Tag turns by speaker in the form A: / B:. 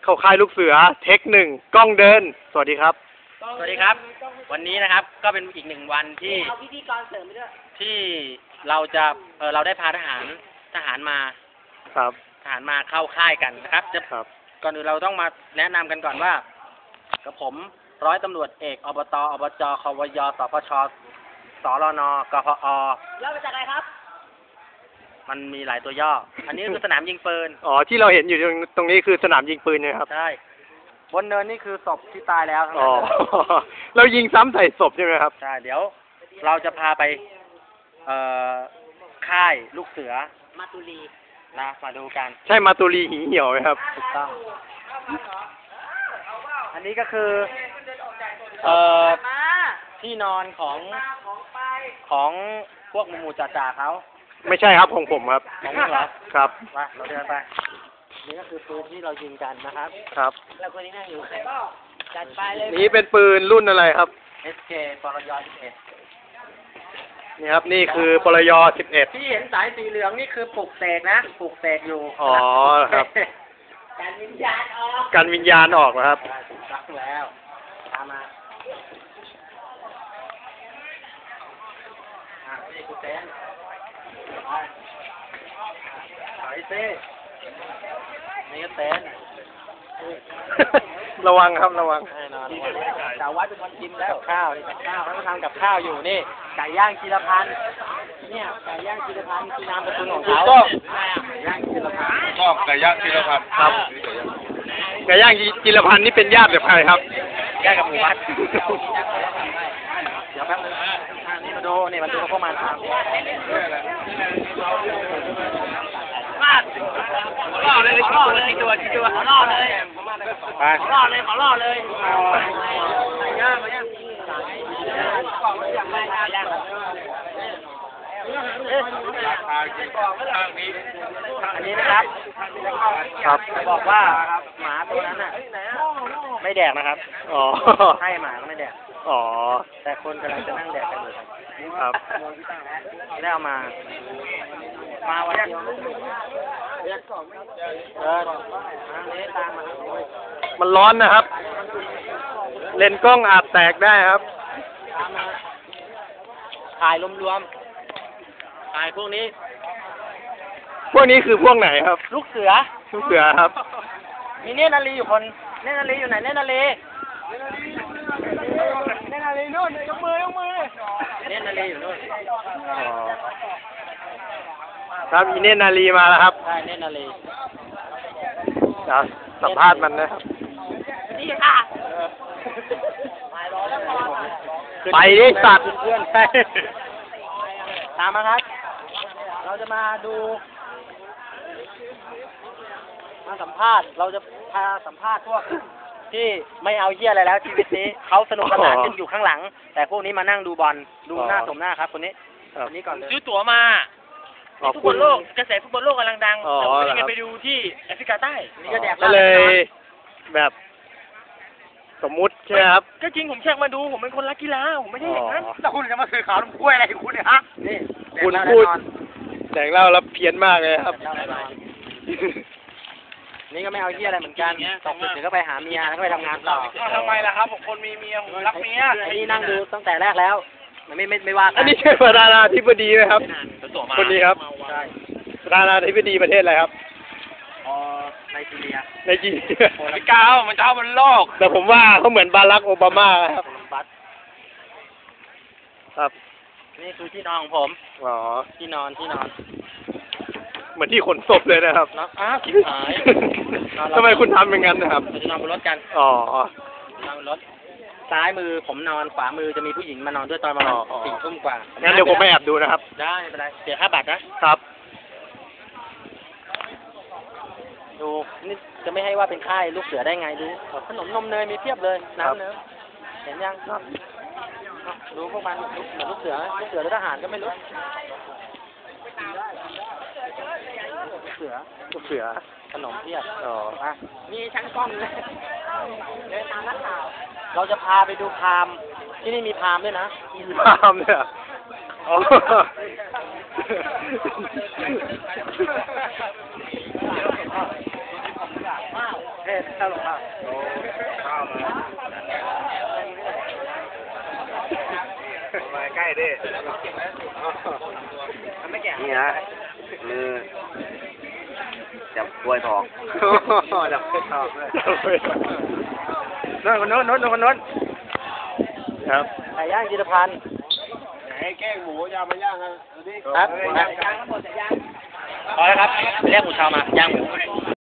A: เข้าค่ายลูกเสือเทคหนึ่งกล้องเดินสวัสดีครับ
B: สวัสดีครับวันนี้นะครับก็เป็นอีกหนึ่งวันที่
C: เอาพิธีกรเสริมไปด้วย
B: ที่เราจะเราได้พาทหารมา
A: ครับ
B: ทหารมาเข้าค่ายกันนะครับจะก่อนอื่นเราต้องมาแนะนำกันก่อนว่ากับผมร้อยตำรวจเอกอบตอบจควยสพชสรนกพ
C: ย่อมาจากอะไรครับ
B: มันมีหลายตัวย่ออันนี้คือสนามยิงปืน
A: อ๋อที่เราเห็นอยู่ตรงนี้คือสนามยิงปืนนะครับ
B: ใช่บนเนินนี่คือศพที่ตายแล้วทั้ง
A: นั้
B: น
A: เรายิงซ้ำใส่ศพใช่ไหมครับ
B: ใช่เดี๋ยวเราจะพาไปค่ายลูกเสือ
C: มาตุลี
B: นะมาดูกัน
A: ใช่มาตุลีหีเหี่ยวไหมครับ
B: ถูกต้องอันนี้ก็คือที่นอนของพวกหมู่จ่าเขา
A: ไม่ใช่ครับของผมครับ
B: ของมึงเหรอ
A: ครับ
B: มาเราเดินไปนี่ก็คือปืนที่เรายิงกันนะครับ
A: ครับ
C: แล้วคนนี้นั่งอยู่จัดไปเลย
A: นี่เป็นปืนรุ่นอะไรครับ
B: SK ปรย11
A: นี่ครับนี่คือปรย11
B: ที่เห็นสายสีเหลืองนี่คือปลุกเสกนะปลุกเสกอยู่
A: อ๋อครับ
C: การวิญญาณออก
A: การวิญญาณออกนะครับ
B: ถูกต้องแล้วตามมานี่คือเต็นท์ไปสินี่ก็เต็นท์
A: ระวังครับระวัง
B: แน่นอนจ่าวัดเป็นคนกินแล้วข้าวนี่กับข้าวเขาทำกับข้าวอยู่นี่ไก่ย่างจิรพันธ์เนี่ยไก่ย่างจิรพันธ์คือนามสกุลของเขาไก่ย่างจิรพันธ์
D: ชอบไก่ย่างจิรพันธ์
A: ครับไก่ย่างจิรพันธ์นี่เป็นญาติกับใครครับ
B: ญาติกับหมู่บ้านเดี๋ยวแป๊บนึงนี่มาดูนี่มันดูพวกมันทำล่อเลยล่อเลยตัวล่อเลยล่อเลยขอล่อเลยย่างมาย่างอันนี้นะครับ
A: ครับ
B: บอกว่าหมาตัวนั้นน่ะไม่แดกนะครับ
A: อ๋อ
B: ให้หมาก็ไม่แดก
A: อ๋อ
B: แต่คนกำลังจะนั่งแดกกันอยู่
A: ครับ
B: ได้เอามาวันเดียว
A: มันร้อนนะครับเลนส์กล้องอาจแตกได้ครับ
B: ถ่ายรวมๆถ่ายพวกนี้
A: คือพวกไหนครับ
B: ลูกเสือ
A: ครับ
B: มีเนตรนาลีอยู่คนเนตรนาลีอยู่ไหนเนตรนาลีนู่นยกมือเนตรนาลีอยู่นู่น
A: ครับมีเนตรนาลีมาแล้วครับ
B: ใช่เนตรนาลี
A: สัมภาษณ์มันนะครับ
C: นี่ค่ะ
A: ไปดิสัตว์
B: เพื่อนตามมาครับเราจะมาดูมาสัมภาษณ์เราจะพาสัมภาษณ์พวกที่ไม่เอาเหี้ยอะไรแล้วชีวิตนี้เขาสนุกสนานกันอยู่ข้างหลังแต่พวกนี้มานั่งดูบอลดูหน้าสมหน้าครับคนนี้ก่อนเลยซื้อตั๋วมาฟุตบอลโลกกระแสฟุตบอลโลกกำลังดังแต่ผมยังไปดูที่แอฟริกาใต้นี่ก็แดก
A: เลยแบบสมมุติใช่ไหมครับ
B: ก็จริงผมเช็คมาดูผมเป็นคนรักกีฬาผมไม่ใช่อย่างนั้นแต่คุณจะมาสื่อข่าวกล้วยอะไรคุณเนี่ยฮะนี่
A: คุณพูดแดกเหล้าแล้วเพี้ยนมากเลยครับ
B: นี่ก็ไม่เอาเหี้ยอะไรเหมือนกันตกดึกเดี๋ยวก็ไปหาเมียแล้วก็ไปทำงานต่อ
D: ทำไมล่ะครับผมคนมีเมียผมรักเมีย
B: อันนี้นั่งดูตั้งแต่แรกแล้วไม่ว่ากัน
A: อันนี้ใช่ประธานาธิบดีไหมครับคนนี้ครับ
B: ใช่
A: ประธานาธิบดีประเทศอะไรครับ
B: ไนจีเรีย
D: ไม่กล้ามันจะเอาบนโลก
A: แต่ผมว่าเขาเหมือนบารักโอบามาครับ
B: นี่คือที่นอนของผม
A: อ๋อ
B: ที่นอน
A: เหมือนที่ขนศพเลยนะครับ
B: คิดหาย
A: ทำไมคุณทำอย่างนั้นนะครับ
B: จะนอนบนรถกัน
A: อ๋
B: นอนบนรถซ้ายมือผมนอนขวามือจะมีผู้หญิงมานอนด้วยตอนประมาณ4 ทุ่มกว่า
A: งั้นเดี๋ยวผมไปแอบดูนะครับ
B: ได้ไม่เป็นไรเสียค่าบัตรนะครับดูนี่จะไม่ให้ว่าเป็นค่ายลูกเสือได้ไงดูขนมนมเนยมีเพียบเลยน้ำเนยเห็นยังดูพวกมันลูกเสือหรือทหารก็ไม่รู้ลูกเสือขนมเพียบมีชั้นกล้องเลยเดินตามนักข่าวเราจะพาไปดูพามที่นี่มีพามด้วยนะ
A: มีพามเนี่ย
B: เฮ้ยเข้าลงข้าว
D: ข้าวมาใกล้ดิ
B: ไม่แก่
A: นี่ฮะจับกล้วยทองจับกล้วยทองเลยโน้นครับ
B: ไก่ย่างจิรพันธ์
D: ไหนแกงหมูยามาย่างกันดูดิ
B: ครับ
C: ย่างทั้งหมดจะย่าง
B: พอแล้วครับไปเรียกหมูชาวมาย่างหมู